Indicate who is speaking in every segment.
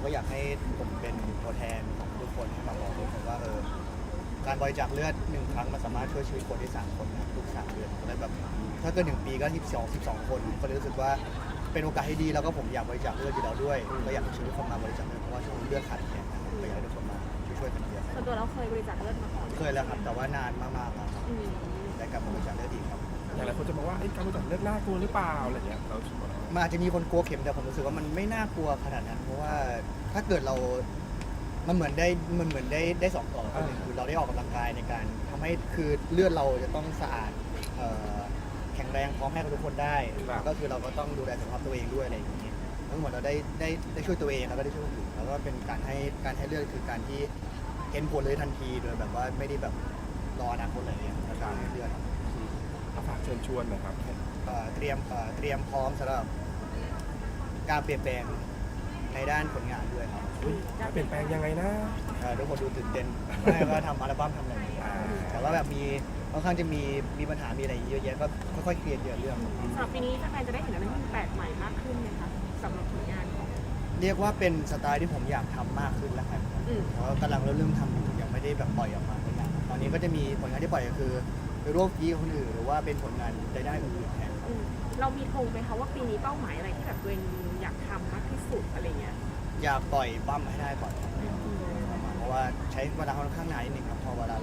Speaker 1: ก็อยากให้ผมเป็นตัวแทนของทุกคนมาบอกทุกคนว่าการบริจาคเลือด1 ครั้งมันสามารถช่วยชีวิตคนได้3 คนนะทุก3 เดือนก็เลยแบบถ้าเกิน1 ปีก็12 คนก็เลยรู้สึกว่าเป็นโอกาสที่ดีแล้วก็ผมอยากบริจาคเลือดอยู่แล้วด้วยก็อยากให้ช่วยทุกคนมาบริจาคเลือดเพราะว่าช่วงเลือดขาดแคลนนะก็อยากให้ทุกคนมาช่วยกันเยอะ
Speaker 2: ส่วนตัวเราเคยบริจาคเลือดมาก่อน
Speaker 1: เคยแล้วครับแต่ว่านานมากๆแล้วครับได้กลับมาบริจาคเลือดอีกครับ
Speaker 3: อย่างไรคนจะบอกว่าการบริจาคเลือดน่ากลัวหรือเปล่าอะไรเงี้ยเราคิดว่า
Speaker 1: มันอาจจะมีคนกลัวเข็มแต่ผมรู้สึกว่ามันไม่น่ากลัวขนาดนั้นเพราะว่าถ้าเกิดเรา มันเหมือนได้2 ต่อหนึ่งคือเราได้ออกกำลังกายในการทำให้คือเลือดเราจะต้องสะอาดแข็งแรงพร้อมให้กับทุกคนได้ก็คือเราก็ต้องดูแลสุขภาพตัวเองด้วยอะไรอย่างนี้ทั้งหมดเราได้ช่วยตัวเองแล้วก็ได้ช่วยคนอื่นแล้วก็เป็นการให้เลือดคือการที่เห็นผลเลยทันทีโดยแบบว่าไม่ได้แบบรออนาคตอะไรอย่างเงี้ยแล้วการให้เลือด
Speaker 3: ฝากเชิญชวนนะครับ
Speaker 1: เตรียมพร้อมสำหรับการเปลี่ยนแปลงในด้านผลงานด้วยครับ
Speaker 3: จะเปลี่ยนแปลงยังไงนะ
Speaker 1: ทุกคนดูตื่นเต้นไม่ว่าทำอัลบั้มทำอะไรอย่างเงี้ยแต่ว่าแบบค่อนข้างจะมีปัญหามีอะไรเยอะแยะก็ค่อยๆเคลียร์เรื่อง
Speaker 2: สำหรับปีนี้แฟนๆจะได้เห็นอะไรที่มันแปลกใหม่มากขึ้นไหมคะสำหรับผลงานของ
Speaker 1: เรียกว่าเป็นสไตล์ที่ผมอยากทำมากขึ้นแล้วกันเพราะกำลังเริ่มทำอยู่ยังไม่ได้แบบปล่อยออกมาตัวอย่างตอนนี้ก็จะมีผลงานที่ปล่อยก็คือไปร่วมฟีกับคนอื่นหรือว่าเป็นผลงานในด้านอื่นๆแทนครับ
Speaker 2: เรามีธงไหมคะว่าปีนี้เป้าหมายอะไรที่แบบตัวเองอยากทำมากที่สุดอะไรเงี้ย
Speaker 1: อยากปล่อยบั้มให้ได้ก่อนครับเพราะว่าใช้เวลาค่อนข้างนานนิดนึงครับพอเวลา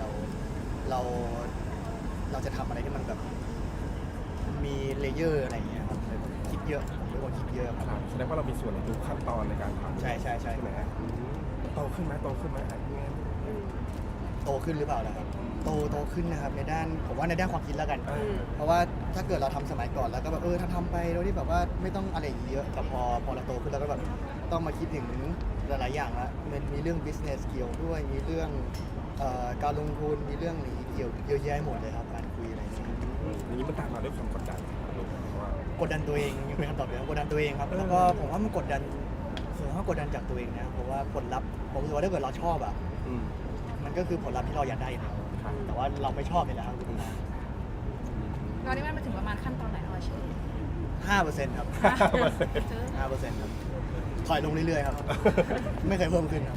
Speaker 1: เราจะทำอะไรที่มันแบบมีเลเยอร์อะไรอย่างเงี้ยครับคิดเยอะผมเป็นคนคิดเยอะครับ
Speaker 3: แสดงว่าเรามีส่วนในทุกขั้นตอนในการทำ
Speaker 1: ใช่
Speaker 3: ใช่ไหมฮะโตขึ้นไหมอะไรเงี้ย
Speaker 1: โตขึ้นหรือเปล่าล่ะครับโตขึ้นนะครับในด้านผมว่าในด้านความคิดแล้วกัน เพราะว่าถ้าเกิดเราทำสมัยก่อนแล้วก็แบบทำไปโดยที่แบบว่าไม่ต้องอะไรเยอะแต่พอเราโตขึ้นแล้วก็แบบต้องมาคิดถึงหลายๆอย่างละมันมีเรื่อง business เกี่ยวด้วยมีเรื่องการลงทุนมีเรื่องนี้เกี่ยวเยอะแยะหมดเลยครับการคุยอะไรอย่างเงี้ย
Speaker 3: อย่างนี้มันตามมาด้วยความกดดันว่าก
Speaker 1: ดดันตัวเองยังเป็นคำตอบเดิมกดดันตัวเองครับแล้วก็ผมว่ามันกดดันส่วนมากกดดันจากตัวเองนะเพราะว่าผลลัพธ์ผมรู้สึกว่าถ้าเกิดเราชอบอ่ะมันก็คือผลลัพธ์ที่เราอยากได้อยู่แล้วแต่ว่าเราไม่ชอบเลยนะครับ
Speaker 4: ตอนนี้มันมาถึงประมาณขั้นตอนไหนแล้วเชฟ
Speaker 1: 5%ครับ 5%ครับถอยลงเรื่อยๆครับ ไม่เคยเพิ่มขึ้นครับ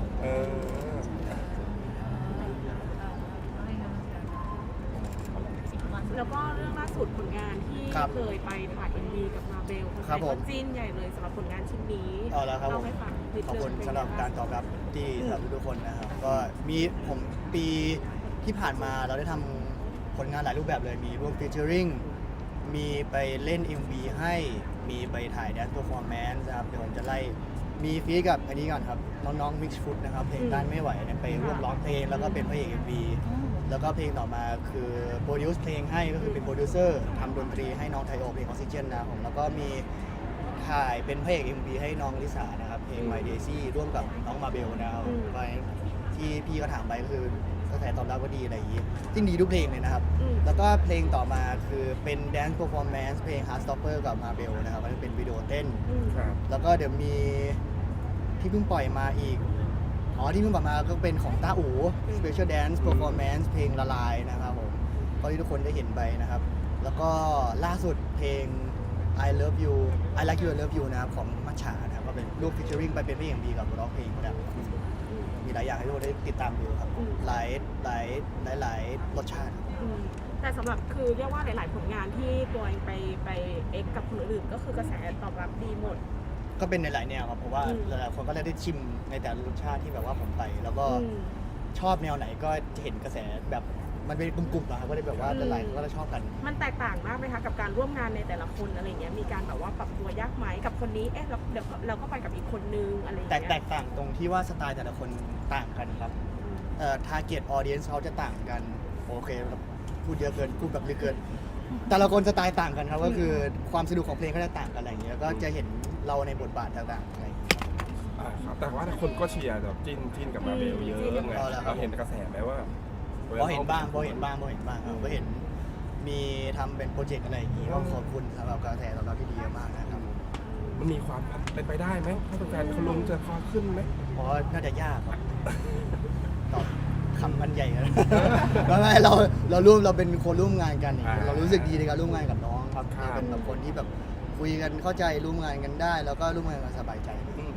Speaker 2: แล้วก็เรื่องล่าสุดผลงานที่เคยไปถ่าย MV กับมาเบลคนไทยก็จิ้นใหญ่เลยสำหรับผลงานชิ้นนี้
Speaker 1: แล้วครับ
Speaker 2: เล่าให้ฟังนิด
Speaker 1: ขอบ
Speaker 2: นึง
Speaker 1: คุณสำหรับการตอบรับที่สำหรับทุกคนนะครับก็มีผมปีที่ผ่านมาเราได้ทำผลงานหลายรูปแบบเลยมีร่วมฟีเจอริงมีไปเล่น MV ให้มีไปถ่าย Dance Performance นะครับเดี๋ยวผมจะไล่มีฟีกับอันนี้ก่อนครับน้องๆ Mix Food นะครับเพลงต้านไม่ไหวเนี่ยไปร่วมร้องเพลงแล้วก็เป็นพระเอก MV แล้วก็เพลงต่อมาคือโปรดิวซ์เพลงให้ก็คือเป็นโปรดิวเซอร์ทำดนตรีให้น้องไทโอเพลงออกซิเจนนะครับผมแล้วก็มีถ่ายเป็นพระเอก MV ให้น้องลิสานะครับเพลง My Daisy ร่วมกับน้องมาเบลนะครับไปที่พี่ก็ถามไปก็คือกระแสตอบรับก็ดีอะไรอย่างนี้ที่ดีทุกเพลงเลยนะครับแล้วก็เพลงต่อมาคือเป็น Dance Performance เพลง Heartstopper กับมาเบลนะครับมันเป็นวิดีโอเต้นแล้วก็เดี๋ยวมีที่เพิ่งปล่อยมาอีกที่เพิ่งปล่อยมาก็เป็นของต้าอู๋ Special Dance Performance เพลงละลายนะครับผมก็ที่ทุกคนได้เห็นไปนะครับแล้วก็ล่าสุดเพลง I Love You I Like You I Love You นะครับของมัชฉานะครับก็เป็นรูป featuring ไปเป็นเพลง MV กับร้องเพลงก็ได้มีหลายอย่างให้ทุกคนได้ติดตามดูครับหลายรสชาติ
Speaker 2: แต่สำหรับคือเรียกว่าหลาย ๆ ผลงานที่ตัวเองไปเอ็กกับคนอื่นๆก็คือกระแสตอบรับดีหมด
Speaker 1: ก็เป็นในหลายแนวครับเพราะว่าหลายๆคนก็ได้ชิมในแต่ละรสชาติที่แบบว่าผมไปแล้วก็ชอบแนวไหนก็จะเห็นกระแสแบบมันเป็นกลุ่มๆนะครับก็ได้แบบว่าหลายๆคนก็จะชอบกัน
Speaker 2: มันแตกต่างมากไหมคะกับการร่วมงานในแต่ละคนอะไรเงี้ยมีการแบบว่าปรับตัวยากไหมกับคนนี้เดี๋ยวเราก็ไปกับอีกคนนึงอะไรเงี้ย
Speaker 1: แตกต่างตรงที่ว่าสไตล์แต่ละคนต่างกันครับtarget audience เขาจะต่างกันโอเคครับพูดเยอะเกินพูดแบบลึกเกินแต่ละคนสไตล์ต่างกันครับก็คือความสนุกของเพลงก็จะต่างกันอะไรอย่างเงี้ยก็จะเห็นเราในบทบาทต่างๆอะไร
Speaker 3: ครับแต่ว่าคนก็เชียร์แบบจิ้นกับมาเบลเยอะไงเราเห็นกระแสไหมว่า
Speaker 1: พอเห็นบ้างครับก็เห็นมีทำเป็นโปรเจกต์อะไรอย่างงี้ก็ขอบคุณสำหรับกระแสตอบรับที่ดีมากนะครับ
Speaker 3: มันมีความเป็นไปได้ไหมถ้าแฟนเขาลงจะพอขึ้นไหม
Speaker 1: เพราะน่าจะยากครับตอบคำมันใหญ่เลยไม่เราเป็นคนร่วมงานกันเรารู้สึกดีในการร่วมงานกับน้องครับเป็นแบบคนที่แบบคุยกันเข้าใจร่วมงานกันได้แล้วก็ร่วมงานกันสบายใจ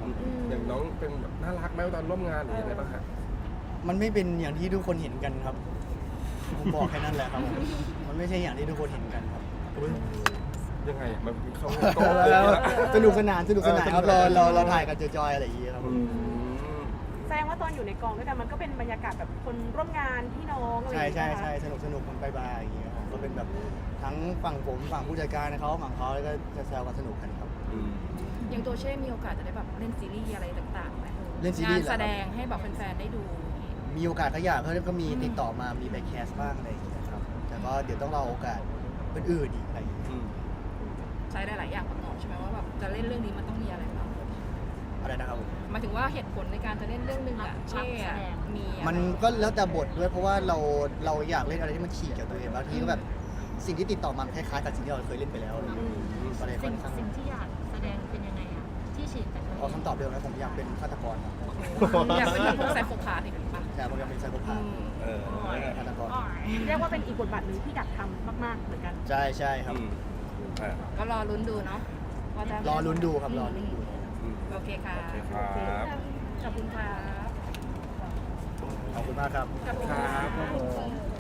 Speaker 3: อย่างน้องเป็นแบบน่ารักไหมตอนร่วมงานหรือยังไงบ้างครับ
Speaker 1: มันไม่เป็นอย่างที่ทุกคนเห็นกันครับผมบอกแค่นั้นแหละครับผมมันไม่ใช่อย่างที่ทุกคนเห็นกันครับ
Speaker 3: ยังไงมันเข้า
Speaker 1: แล้วสนุกสนานครับเราถ่ายกันจอยๆอะไรอย่างเงี้ยครับ
Speaker 2: แสดงว่าตอนอยู่ในกองด้วยกันมันก็เป็นบรรยากาศแบบคนร่วมงานพี่น้องอะไรอย่าง
Speaker 1: ใช่
Speaker 2: เงี้ย
Speaker 1: ใช่สนุกมันบายๆอย่างเงี้ยครับก็เป็นแบบทั้งฝั่งผมฝั่งผู้จัดการเขาฝั่งเขาแล้วก็จะแซวกันสนุกกันครับ
Speaker 4: อย่างตัวเช่มีโอกาสจะได้แบบเล่นซีรีส์อะไรต่างๆไหม
Speaker 1: เล่นซีรีส์
Speaker 4: งาน
Speaker 1: เหรอครับ
Speaker 4: แสดงให้แบบแฟนๆได้ดู
Speaker 1: มีโอกาสก็อยากเขาก็มีติดต่อมามีไปแคสบ้างอะไรอย่างเงี้ยครับแต่ก็เดี๋ยวต้องรอโอกาสอื่นๆอีกอะไรอย่างเงี้ย
Speaker 4: ใช้ได้หลายอย่างประกอบใช่ไหมว่าแบบจะเล่นเรื่องนี้มันต้องมีอะไรบ้าง
Speaker 1: อะไรนะครับผม
Speaker 4: หมายถึงว่าเหตุผลในการจะเล่นเรื่องหนึงอะเช่อะมีอะไร
Speaker 1: มันก็แล้วแต่บทด้วยเพราะว่าเราอยากเล่นอะไรที่มันฉีกจากตัวเองบางทีก็แบบสิ่งที่ติดต่อมาคล้ายๆกับสิ่งที่เราเคยเล่นไปแล้วอะไรอย่างเงี้ยก็เลยค่อนข้าง
Speaker 5: สิ่งที่อยากแสดงเป็นยังไงอะที่ฉีดแต่ตัวเอ
Speaker 1: เอา
Speaker 5: ง
Speaker 1: คำตอบเดิมนะผมอยากเป็นฆาตกรครับ
Speaker 4: อยากเป็นแบบพวกไซโคพาธอีกหรือเปล่า
Speaker 1: แต่ผมอยากเป็นไซโคพาธฆาตกร
Speaker 2: เรียกว่าเป็นอีกบทบาทหนึ่งที่อยากทำมากๆเหมือนกัน
Speaker 1: ใช่ครับ
Speaker 4: ก็รอลุ้นดูเนาะว่าจะ
Speaker 1: รอลุ้นดูครับรอลุ้นดู
Speaker 4: โอเคค่ะ
Speaker 3: โอเคครับ
Speaker 4: ขอบคุณค่ะ
Speaker 1: ขอบคุณมากครับ
Speaker 4: ขอบคุณ
Speaker 3: ค
Speaker 4: ค่ะ
Speaker 3: รับ